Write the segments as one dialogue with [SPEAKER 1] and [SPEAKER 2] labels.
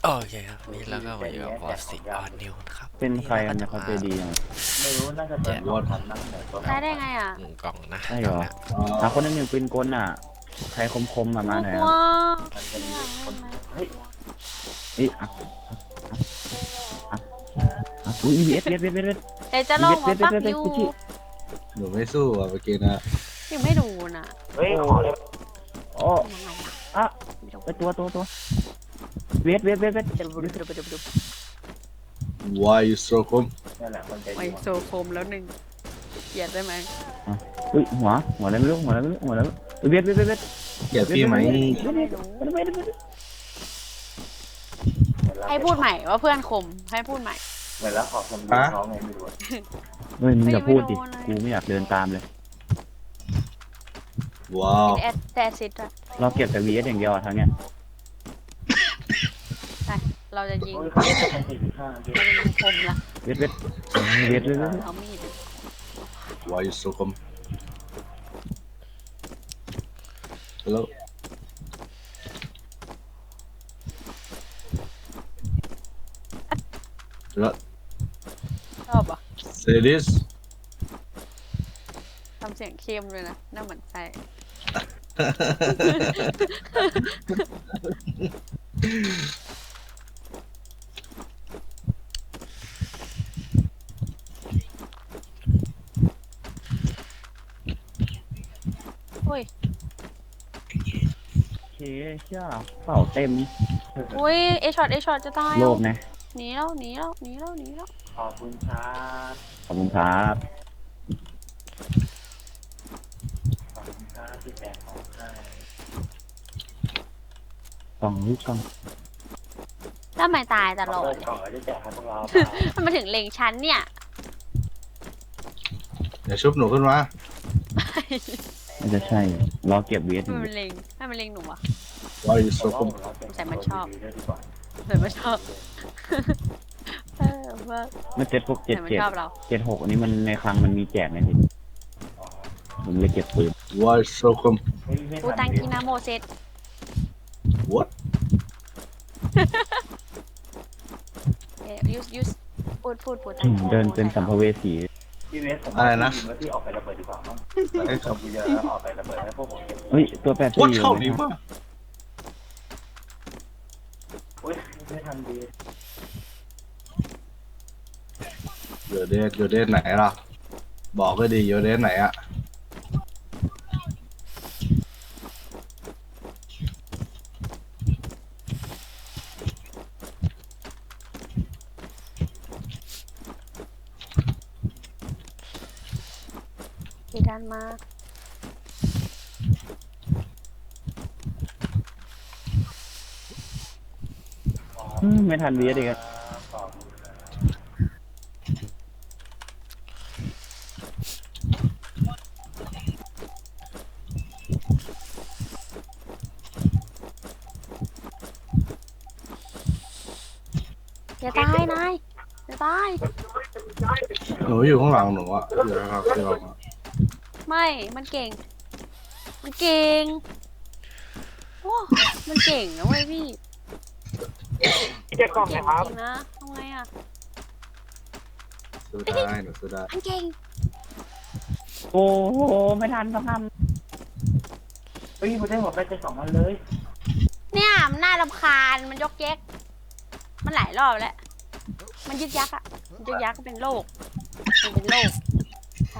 [SPEAKER 1] โอเคครับนี่แล้วก็มาอยู่กับวอสิออนนิวนะครับ
[SPEAKER 2] เป็นใคร
[SPEAKER 1] นี่
[SPEAKER 2] กัน
[SPEAKER 1] เรา
[SPEAKER 2] นะ
[SPEAKER 1] ก็
[SPEAKER 2] เขา
[SPEAKER 1] จะ
[SPEAKER 2] ใจดีอ่ะ
[SPEAKER 3] ไม่รู้น่าจะเป็นวอดทันนั่งแต่ตัว
[SPEAKER 4] ได้ไงอ่ะ
[SPEAKER 1] กล่องนะ
[SPEAKER 2] ใช่
[SPEAKER 1] ก
[SPEAKER 2] เหร
[SPEAKER 1] ล่อง
[SPEAKER 2] อ
[SPEAKER 1] นะ
[SPEAKER 2] หาคนนึงหนึ่งปืนกลอ่ะ ใครคมๆมาหน่อย
[SPEAKER 4] กลั
[SPEAKER 2] คว รับ
[SPEAKER 3] มันจะมีคนเฮ้ย
[SPEAKER 2] เอ้ยอุ้ยเวท
[SPEAKER 4] เดี๋ยวจะลองมาปักยู
[SPEAKER 5] หนูไม่สู้อ่ะเมื่อกี้นะ
[SPEAKER 4] ยังไม่ดูน่ะ
[SPEAKER 3] เฮ้ยขอเลย
[SPEAKER 2] โอ้
[SPEAKER 4] ยังไงอ่ะ
[SPEAKER 2] อะ
[SPEAKER 4] ไม่รู้
[SPEAKER 2] ไปตัวเวท
[SPEAKER 4] เดี๋ยวดู
[SPEAKER 5] Why you so cool
[SPEAKER 3] นั่นแหละคนใจ
[SPEAKER 4] ไอ
[SPEAKER 3] ดี
[SPEAKER 4] โซโคมแล้วหนึ่งเกลียดได้ไหม
[SPEAKER 2] อุ้ยหัวอะไรไม่รู้เวท
[SPEAKER 5] เกลียดพี่ไหม
[SPEAKER 4] ไม่รู้ให้พูดใหม่ว่าเพื่อนคมให้พูดใหม่
[SPEAKER 3] เหมือนแล้วขอคนดูเขาไงไม่รู้
[SPEAKER 2] เฮ้ยมึงอย่าพูดดิ
[SPEAKER 4] ไม่โดนเลย
[SPEAKER 2] กูไม่อยากเดินตามเลย
[SPEAKER 5] ว้าว
[SPEAKER 4] แอดแต่ซิดอะ
[SPEAKER 2] เราเก็บแต่ VS อย่างเดียวอ่ะทางเนี้ย
[SPEAKER 4] ไปเราจะยิง
[SPEAKER 3] โอ้ยเขาจะเป็น45เดือน
[SPEAKER 4] เราจะยิงคมละ
[SPEAKER 2] เวทเลย
[SPEAKER 4] เอามีด
[SPEAKER 5] Why you so cool Hello แล้ว
[SPEAKER 4] ชอบอ่ะ
[SPEAKER 5] Say this
[SPEAKER 4] ทำเสียงเข้มเลยนะน่าเหมือนใส่อุ้ย
[SPEAKER 2] โอเคเชื่อเป่าเต็ม
[SPEAKER 4] อุ้ยเอช็อตจะตาย
[SPEAKER 2] โลภนะ
[SPEAKER 4] หนีแล้ว
[SPEAKER 3] ขอบคุณครับ
[SPEAKER 2] ขอบคุณครับ
[SPEAKER 3] ขอบคุณครับที่แจกของให้
[SPEAKER 2] กล่องลูกกล่อง
[SPEAKER 4] ทำไมตายตลอด
[SPEAKER 3] เปิดกล่องแล้วจะแจกให้พวกเราเปล่า
[SPEAKER 4] มันมาถึงเลงชั้นเนี่ย
[SPEAKER 5] เดี๋ยวชุบหนูขึ้นมา
[SPEAKER 2] ไม่จะใช่รอเก็บ VS อยู่
[SPEAKER 4] ให้มันเลงหนูอ่ะ
[SPEAKER 5] Why you so
[SPEAKER 3] ผม
[SPEAKER 5] cool
[SPEAKER 3] ว่าเราจะ
[SPEAKER 4] ใส่มันชอบ
[SPEAKER 3] ดีด้วยดีกว่า
[SPEAKER 4] แต่มันชอบว่า
[SPEAKER 2] มัน7 6
[SPEAKER 4] แต่มัน
[SPEAKER 2] 7
[SPEAKER 4] ชอบเรา
[SPEAKER 2] 7 6อันนี้มันในคลังมันมีแจกไงพี่ผมเลยเก็บปืน
[SPEAKER 5] Why you so cool
[SPEAKER 3] เฮ้ยไม่
[SPEAKER 4] กู
[SPEAKER 3] ทั
[SPEAKER 4] ตั
[SPEAKER 3] น
[SPEAKER 4] ง
[SPEAKER 3] ดิ
[SPEAKER 4] กินาโมเซต
[SPEAKER 5] What
[SPEAKER 4] ยูสพูดตัง
[SPEAKER 2] เดินเป็นสัมภเวสี
[SPEAKER 3] พี่เวสผม
[SPEAKER 5] อะไรนะ
[SPEAKER 3] ว่าพี่ออกไประเบิดดีกว่ามั้งให้จบเยอะออกไประเบิดให้พวกผมเก็บ
[SPEAKER 2] เฮ้ยตัว84
[SPEAKER 5] What
[SPEAKER 2] อยู่
[SPEAKER 5] เข้าดีมาก
[SPEAKER 3] อุ้ยไม่ทันดี
[SPEAKER 5] อยู่เดทไหนล่ะ บอกก็ดีอยู่เดทไหนอ่ะ
[SPEAKER 4] ที่ด้านมา
[SPEAKER 2] ไม่ทัน VS อีกอะ
[SPEAKER 3] ขอบคุณครับ
[SPEAKER 4] อย่าตายนายอย่าตาย
[SPEAKER 5] หนูอยู่ข้างหลังหนูอ่ะอยู่ข้างหลังที่เราอะ
[SPEAKER 4] ไม่มันเก่งโอ้มันเก่งนะเว้ยพี่เก่งจริงนะทำไงอ่ะ
[SPEAKER 5] สู้ได้หนูสู้ได้
[SPEAKER 4] มันเก่ง
[SPEAKER 2] โอ้โหไม่ทันต้องท
[SPEAKER 3] เฮ้ยผมได้หมดไปจะ2 วันเลย
[SPEAKER 4] เนี่ยมันน่ารำคาญมันยกแยกมันหลายรอบแล้วมันยึกยักอ่ะมันยึกยักก็เป็นโรคมันเป็นโรคใช่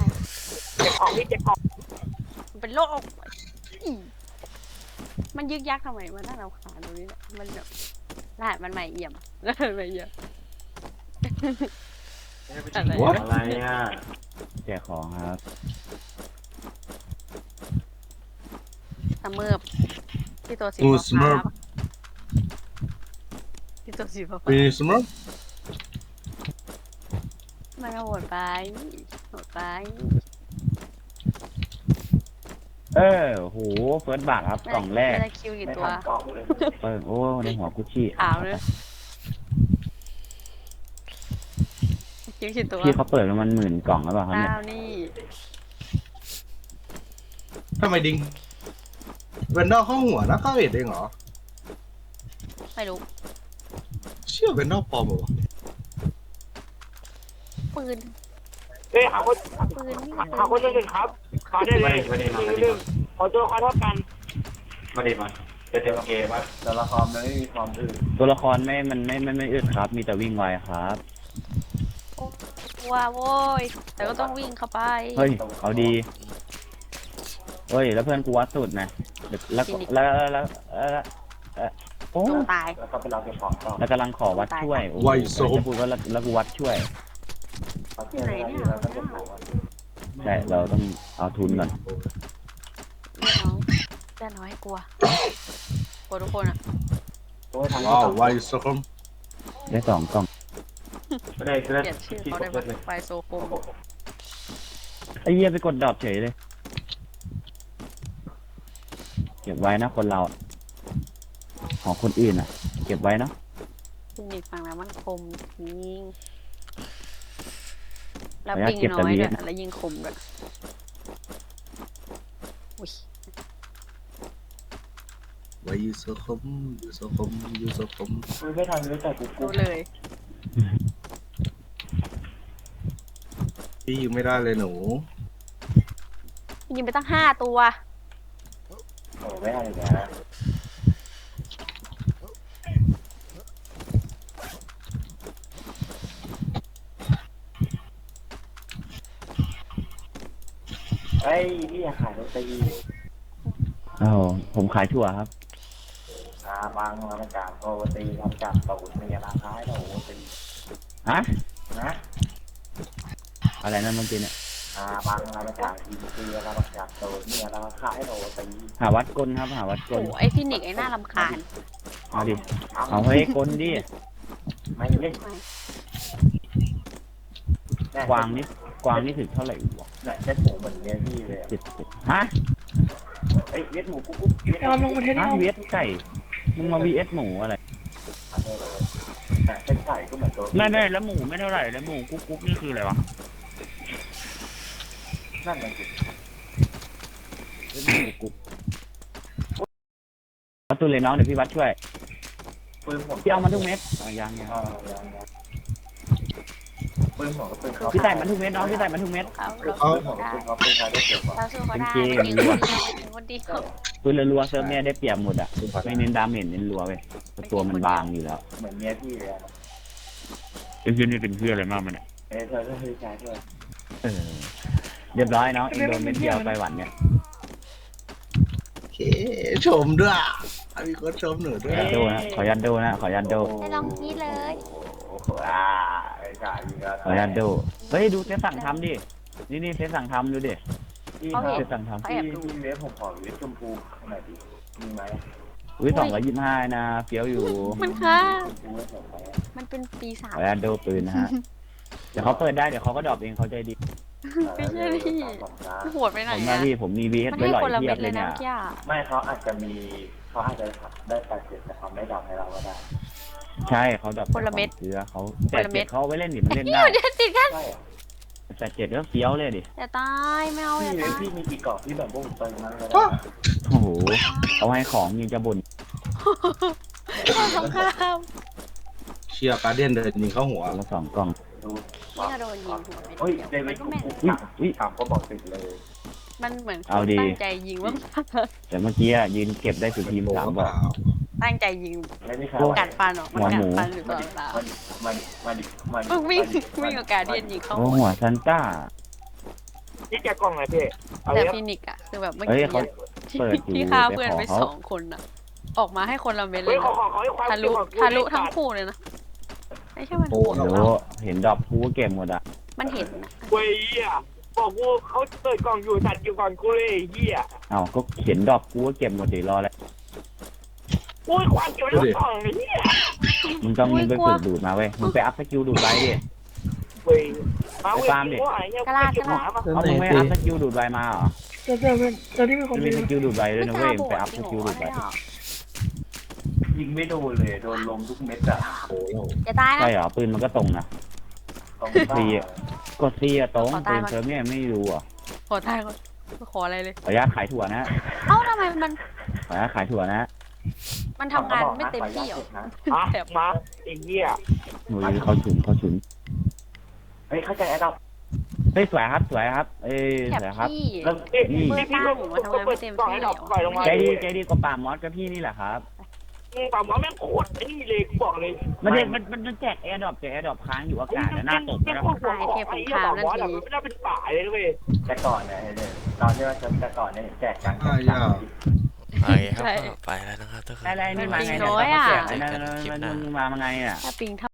[SPEAKER 4] มันเป็นโรคอีมันยึกยักทำไมมันน่ารำคาญตรงนี้แหละมันแบบรหัสมันใหม่เอี่ยมรหัสใหม่เอี่ยม อะไร
[SPEAKER 3] อะไรอ่ะ
[SPEAKER 2] ำแจกของครับ
[SPEAKER 4] ตะเมิบที่ตัวสี
[SPEAKER 5] งู
[SPEAKER 4] ฟ้า
[SPEAKER 5] สมิร์ฟ
[SPEAKER 4] ที่ตัวสีฟ้า
[SPEAKER 5] ปีสมิร์ฟ
[SPEAKER 4] มันโหดไปโหดไป
[SPEAKER 2] โหเฟิร์สบาทครับกล่องแรก
[SPEAKER 4] ไม่ได้คิวกี่
[SPEAKER 3] ไม่
[SPEAKER 4] ตัว
[SPEAKER 3] ทันกล่องเลย
[SPEAKER 2] เปิดโอ้ในหัวกุชชี่
[SPEAKER 4] ขาวเลยคิวกี่ตัว
[SPEAKER 2] พี่เขาเปิดประมาณ10,000 กล่องแล้วเปล่าครับเนี่ย
[SPEAKER 4] ดาวนี่
[SPEAKER 5] ทำไมดิงเวนดอลเข้าหัวนะ91เองเหรอ
[SPEAKER 4] ไม่รู้
[SPEAKER 5] เชื่อเป็นนอกปลอมเหรอวะ
[SPEAKER 4] ปืน
[SPEAKER 6] เฮ้ยหาคน
[SPEAKER 4] ปืนนี่
[SPEAKER 6] หาคนหนึ่งครับขอได้เลยหนึ่งขอตัวละครเท่ากัน
[SPEAKER 3] มาดิมาจะเต็มเกมว่าตัวละครมันไม่มีความอื่น
[SPEAKER 2] ตัวละครไม่อึดครับ มีแต่วิ่งไวครับ
[SPEAKER 4] กลัวโว้ยแต่ก็ต้องวิ่งเข้าไป
[SPEAKER 2] เฮ้ยเอาดีเฮ้ยแล้วเพื่อนกูวัดสุดนะแล้วโอ้
[SPEAKER 4] ต้องตาย
[SPEAKER 3] แล้วก็ไปเราเก็บของต่อ
[SPEAKER 2] แล้วกำลังขอวัดช่วยโอ้โหจะพูดว่าแล้วกูวัดช่วย
[SPEAKER 4] ที่ไหนเนี่ย
[SPEAKER 3] แล้วก็เก็บของ
[SPEAKER 2] ใช่เราต้องเอาทุนก่อน
[SPEAKER 4] เล่นน้อยให้กลัวกลัวทุกคนอ่ะ
[SPEAKER 3] ตัวทาง
[SPEAKER 5] ว้าวไวสคม
[SPEAKER 2] ได้2 กล่อง
[SPEAKER 3] ก็ได้ก็
[SPEAKER 4] เก
[SPEAKER 3] ได้
[SPEAKER 4] ลียดชื่อเขาได้ไหมไฟโซโฟม
[SPEAKER 2] ไอ้เหี้ยไปกดดรอปเฉยเลยเก็บไว้นะคนเราของคนอื่นอ่ะ เก็บไว้เนาะ
[SPEAKER 4] ปิงฟังแล้วมันคมยิงแล้วปิงน้อยด้วยแล้วยิงคมด้วยอุ้ย
[SPEAKER 5] ไวสคมยูสคมยูสคม
[SPEAKER 3] คุยไม่ทันเลยแต่กู
[SPEAKER 4] รู้เลย
[SPEAKER 5] พี่ยิงไม่ได้เลยหนู
[SPEAKER 4] ยิงไปตั้ง5 ตัว
[SPEAKER 3] โอ้ไม่ทันเลยนะไอ้พี่ขายโรตี
[SPEAKER 2] อ้าวผมขายถั่วครับ
[SPEAKER 3] บางมาประกาศโรตีทำจากตูดมีราคาให้โรตี
[SPEAKER 2] ฮะ
[SPEAKER 3] นะ
[SPEAKER 2] อะไรนั่นเมื่อกี้เนี่ย
[SPEAKER 3] บางมาประกาศทีซีราประกาศตูดมีราคาให้โรตี
[SPEAKER 2] หาวัดกลครับหาวัดก
[SPEAKER 4] โอ้
[SPEAKER 2] ล
[SPEAKER 4] ไอฟินิกไอหน้ารำคาญ
[SPEAKER 2] เอาดิเอาเฮ้ยกลดิ
[SPEAKER 3] ไม่เล่น
[SPEAKER 2] กวางนี่ถึงเท่าไหร่วะ
[SPEAKER 3] เนี่ยเล่นหมูเหมือนเนี้ยพี่เลย
[SPEAKER 2] ฮะ
[SPEAKER 3] เอ้ยเล่นหมูกุ๊กเล่น
[SPEAKER 6] เราลงประเทศ
[SPEAKER 2] ฮะ
[SPEAKER 6] เรา
[SPEAKER 2] VS ไก่มึงมา VS หมูอะไร
[SPEAKER 3] เส้นไก่ก็เหมือนตัว
[SPEAKER 2] ไม่แล้วหมูไม่เท่าไหร่แล้วหมูกุ๊กนี่คืออะไรวะ
[SPEAKER 3] นั่นมันคือ
[SPEAKER 2] หมูกุ๊กวัดตุนเลยน้องเดี๋ยวพี่วัดช่วย
[SPEAKER 3] ปืนผม
[SPEAKER 2] พี่เอามาทุกเม็ดยัง
[SPEAKER 3] ปืนผมก็ปืนเขา
[SPEAKER 2] พี่ใส่มันทุกเม็ดน้องพี่ใส่มันทุกเม็ด
[SPEAKER 4] เขา
[SPEAKER 3] ปื
[SPEAKER 4] เรา
[SPEAKER 3] นผมก็ปืนเขาปืนเขาได้เก็บว่ะ
[SPEAKER 4] เราสู้เขาได้
[SPEAKER 2] เป็นเกม
[SPEAKER 4] ยิง
[SPEAKER 2] รัว
[SPEAKER 4] คนเดียว
[SPEAKER 2] ปืนรัวๆเซิร์ฟเนี่ยได้เปรียบหมดอ่ะไม่เน้นดาเมจเน้นรัวเว้ยตัวมันบางอยู่แล้ว
[SPEAKER 3] เหมือนเมียพี่เลย
[SPEAKER 2] เป็นเพื่อนนี่เป็นเพื่อนอะไรมากมันเนี่ย
[SPEAKER 3] เธอก็คือชายด้วย
[SPEAKER 2] เรียบร้อยน้องเองโดนเม็ดเดียวไปหวันเนี่ย
[SPEAKER 5] โอเคชมด้วยมีคนชมหนู
[SPEAKER 2] ข
[SPEAKER 5] ด้
[SPEAKER 2] อ
[SPEAKER 5] วย
[SPEAKER 2] ยันโดนะขอยันโดนะขอยันโด
[SPEAKER 4] ได้ลองกี้เลย
[SPEAKER 3] โอ้โหไอ้กายยิงก็
[SPEAKER 2] ขอยันโดเฮ้ยดูเซตสั่งทำดินี่เซตสั่งทำดูดิ
[SPEAKER 3] พี่
[SPEAKER 2] เซตสั่งทำ
[SPEAKER 3] พี่เวฟผมขอเวฟชมพูหน่อยดิมีไหม
[SPEAKER 2] อุ้ย225นะเฟี้ยวอยู่
[SPEAKER 4] มันค่ะ
[SPEAKER 3] ชมพูให้ผมไป
[SPEAKER 4] มันเป็นปีศา
[SPEAKER 2] ข
[SPEAKER 4] จ
[SPEAKER 2] อยันโดปืนนะฮะเดี๋ยวเขาเปิดได้เดี๋ยวเขาก็ดรอปเองเขาใจดี
[SPEAKER 4] ไม่ใช่พี่โหดไปไหน
[SPEAKER 2] ผม
[SPEAKER 4] อ่ะ
[SPEAKER 2] นะพี่ผมมี VS
[SPEAKER 4] มัน
[SPEAKER 2] ไว้
[SPEAKER 4] ให้
[SPEAKER 2] หล่อย
[SPEAKER 4] คนละ
[SPEAKER 2] เทีย
[SPEAKER 4] เม็
[SPEAKER 2] บ
[SPEAKER 4] ด
[SPEAKER 2] เล
[SPEAKER 4] เลย
[SPEAKER 2] ย
[SPEAKER 4] นะ
[SPEAKER 2] เนี่ย
[SPEAKER 4] เมื่อกี้อะ
[SPEAKER 3] ไม่เขาอาจจะมีเขาอาจจะได้80แต่เขาไม่ดรอปให้เราก็ได้
[SPEAKER 2] ใช่เขาดรอปเสือเขาแต่เจ็ดเขาไว้เล่นดิมันเล่นได้
[SPEAKER 4] เดี๋ยวติดกัน
[SPEAKER 3] ใช่
[SPEAKER 2] แต่เจ็ดก็เฟี้ยวเลยดิ
[SPEAKER 4] อย่าตายไม่เอาอย่า
[SPEAKER 3] พี่
[SPEAKER 4] ตาย
[SPEAKER 3] พี่มีกี่กล่องที่แบบพวกผมเติมนั้นเลย
[SPEAKER 2] โอ้โหเอาให้ของยังจะบ่น
[SPEAKER 4] สงคราม
[SPEAKER 5] เชียร์การเดียนเดินยิงเข้าหัว
[SPEAKER 2] คนละ2 กล่อง
[SPEAKER 3] ดู
[SPEAKER 4] นี่ก็โดนยิงหัว
[SPEAKER 3] เฮ้ย
[SPEAKER 4] ไป
[SPEAKER 3] เดวิ
[SPEAKER 4] มั
[SPEAKER 3] ด
[SPEAKER 4] นก็แม่น
[SPEAKER 2] อุ้ย
[SPEAKER 3] ถามก็บอกติดเลย
[SPEAKER 4] มันเหมือน
[SPEAKER 2] เอาดี
[SPEAKER 4] ตั้งใจยิงว่า
[SPEAKER 2] แต่เมื่อกี้ยืนเก็บได้สุดทีม3 บอก
[SPEAKER 4] ตั้งใจยิง
[SPEAKER 3] ไม่ได้ค่ะ
[SPEAKER 4] กัดฟันออกมันกัดฟันอยู่ตลอดเวลา
[SPEAKER 3] มัน
[SPEAKER 4] วิ่งกับการเดียนยิงเข้า
[SPEAKER 2] โอ้หัวซันต้า
[SPEAKER 6] นี่แกกล้องไหนพี่เอา
[SPEAKER 4] แต่
[SPEAKER 6] เยอะ
[SPEAKER 4] ฟินิกอะคือแบบเมื่อ
[SPEAKER 2] เฮ้ย
[SPEAKER 4] กี้
[SPEAKER 2] เขา เปิดอยู่
[SPEAKER 4] ที่ฆ่าเพื่อนไป
[SPEAKER 2] ไปขอเขา
[SPEAKER 4] 2 คนอะออกมาให้คนละเม็ดเล
[SPEAKER 6] เฮ้ย
[SPEAKER 4] ย
[SPEAKER 6] ขอให้ความ
[SPEAKER 4] ทะลุทั้งคู่เลยนะไม่ใช่มันโหด
[SPEAKER 2] โอ้โหเห็นดรอปกูก็เก็บหมดอ่ะ
[SPEAKER 4] มันเห็นนะ
[SPEAKER 6] เว้ยเหี้ยบอกกูเขาเปิดกล่องอยู่สัตว์อยู่ก่อนกูเลยเหี้ย
[SPEAKER 2] เอ้าก็เห็นดรอปกูก็เก็บหมดดิรอแล้ว
[SPEAKER 6] โอ้ยความเกี่ยวกับกล่องไอ้เหี้ย
[SPEAKER 2] มึงต้องมึงไปฝึกดูดมาเว้ยมึงไปอัพสกิลดูดไว้ดิ
[SPEAKER 6] เว้ยมาเว้ยกูหายเนี่ยกูเก็บหมามา
[SPEAKER 2] เอามึงไม่อัพสกิลดูดไว้มาเหรอ
[SPEAKER 6] เจอที่มีคน
[SPEAKER 2] มันมีสกิลดูดไว้ด้วยนะเว้ยมึงไปอัพสกิลดูดไว้
[SPEAKER 3] ยิงไม่โดนเลยโดนลมทุกเม็ดอะ
[SPEAKER 4] อย่าตายนะ
[SPEAKER 2] ใช่เหรอปืนมันก็ตรงนะ
[SPEAKER 3] ต้อง
[SPEAKER 2] กดซีอะตรงปืนเซิร์ฟเนี่ยไม่รู้อ่ะ
[SPEAKER 4] ขอตายก่อนไม่ขออะไรเลย
[SPEAKER 2] ขออนุญาตขายถั่วนะ
[SPEAKER 4] เอ้าทำไมมัน
[SPEAKER 2] ขออนุญาตขายถั่วนะ
[SPEAKER 4] มันทำงานไม่เต็มที่หรอ
[SPEAKER 3] นะ
[SPEAKER 6] อ่ะ
[SPEAKER 4] แบบ
[SPEAKER 6] มาไอ้เหี้ย
[SPEAKER 2] หนูเขาฉุนเขาฉุน
[SPEAKER 3] เฮ้ยเข้าใจไอ้ดอก
[SPEAKER 2] เฮ้ยสวยครับสวยครับเอ้ย
[SPEAKER 4] แถบ
[SPEAKER 2] สวยครับ
[SPEAKER 4] พี่
[SPEAKER 3] เริ่ม
[SPEAKER 6] นี่
[SPEAKER 2] นี่
[SPEAKER 6] พี่ก็เปิดกล่องให้ดอกปล่อยลงมา
[SPEAKER 2] ใจดีกว่าป่ามอสกับพี่นี่แหละครับ
[SPEAKER 6] ป่าหมอแม่งโคตรไอ้นี่เลยกูบอกเลย
[SPEAKER 2] มันแจกแอร์ดรอปค้างอยู่อากาศหน้าตก
[SPEAKER 6] แม่ง
[SPEAKER 2] นะ
[SPEAKER 6] โคตรหัวของไอ้เหี้ยป่าหมอแบบไม่ได้เป็นป่าเลยเว้ย
[SPEAKER 3] แต่ก่อนเนี่ยตอนที่ว่าแต่ก่อนเนี่ยแจกกัน
[SPEAKER 1] ไปครับก็ไปแล้วนะครับทุกคน
[SPEAKER 2] อะไรนี่มาไง
[SPEAKER 4] น้อยอะ
[SPEAKER 2] นั่นมาไงอ่ะ
[SPEAKER 4] ถ้าปิง